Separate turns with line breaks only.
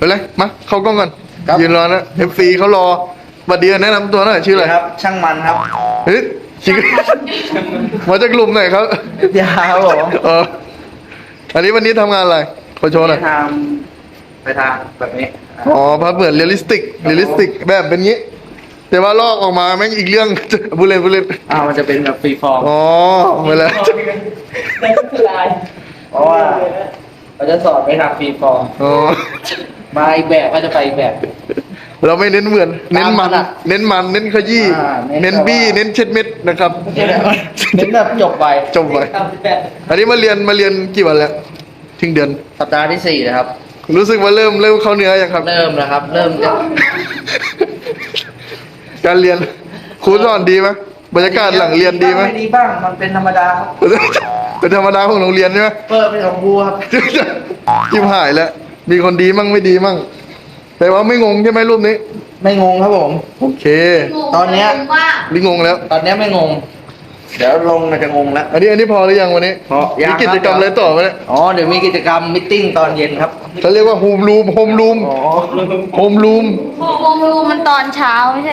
เลยมาเข้ากล้องก่อน
ครับ
ยืนรอนะ FC เขารอบัดเดียวแนะนำตัวหน่อยชื่ออะไร
ครับ ช่างมันครับ
เฮ้ยจริงมาจากกลุ่มไหนครับ
ยาครับผม
อันนี้วันนี้ทำงานอะไรขอโชว์หน่อย
ไปทางแบบนี้
อ๋อภาพเหมือนเรียลลิสติกแบบเป็นงี้ แต่ว่าลอกออกมาแม่งอีกเรื่อง บุเรน
มันจะเป็นแบบฟรีฟอร์ม
อ๋อเวลา
แต่ก็คือลาย
เพราะว่าเราจะสอนไปทางฟรีฟอร์ม
อ๋อ
มาอีกแบบก็จะไปอีกแบบ
เราไม่เน้นเหมือน เน้นมัน
ตามถนัด
เน้นขยี้
เน้น
เน้นบี้
แบบว่า
เน้นเช็ดเม็ดนะครับ
เน้นแบบจบไป
จบไป
ทำแบบ
อันนี้มาเรียนกี่วันแล้วทิ้งเดือน
สัปดาห์ที่ 4 นะครับ
รู้สึกว่าเริ่มเข้าเนื้อยังครับ
เริ่มแล้วครับ เริ่มจะ
การเรียนครูสอนดีไหมบรรยากาศหลังเรียนดีไหม
ไม่ดีบ้าง มันเป็นธรรมดาครับ
เป็นธรรมดาของโรงเรียนใช่ไหม
เปิดเป็นของครูครับ
จิ้มหายแล้ว มีคนดีมั่งไม่ดีมั่ง แต่ว่าไม่งงใช่ไหมรูปนี้
ไม่งงครับผม
โอเค
ตอนเนี้ย
นี่งงแล้ว
ตอนเนี้ยไม่งง เดี๋ยวลงมันจะงงแล้ว
อันนี้พอหรือยังวันนี้
พอยัง
มีกิจกรรม
ครับ
อะไรต่อไหมเนี่ย
อ๋อ เดี๋ยวมีกิจกรรมมิทติ้งตอนเย็นครับ
เขาเรียกว่าโฮมรูม
อ๋อ
โฮมรูม
โฮมรูมมันตอนเช้าไม่ใช่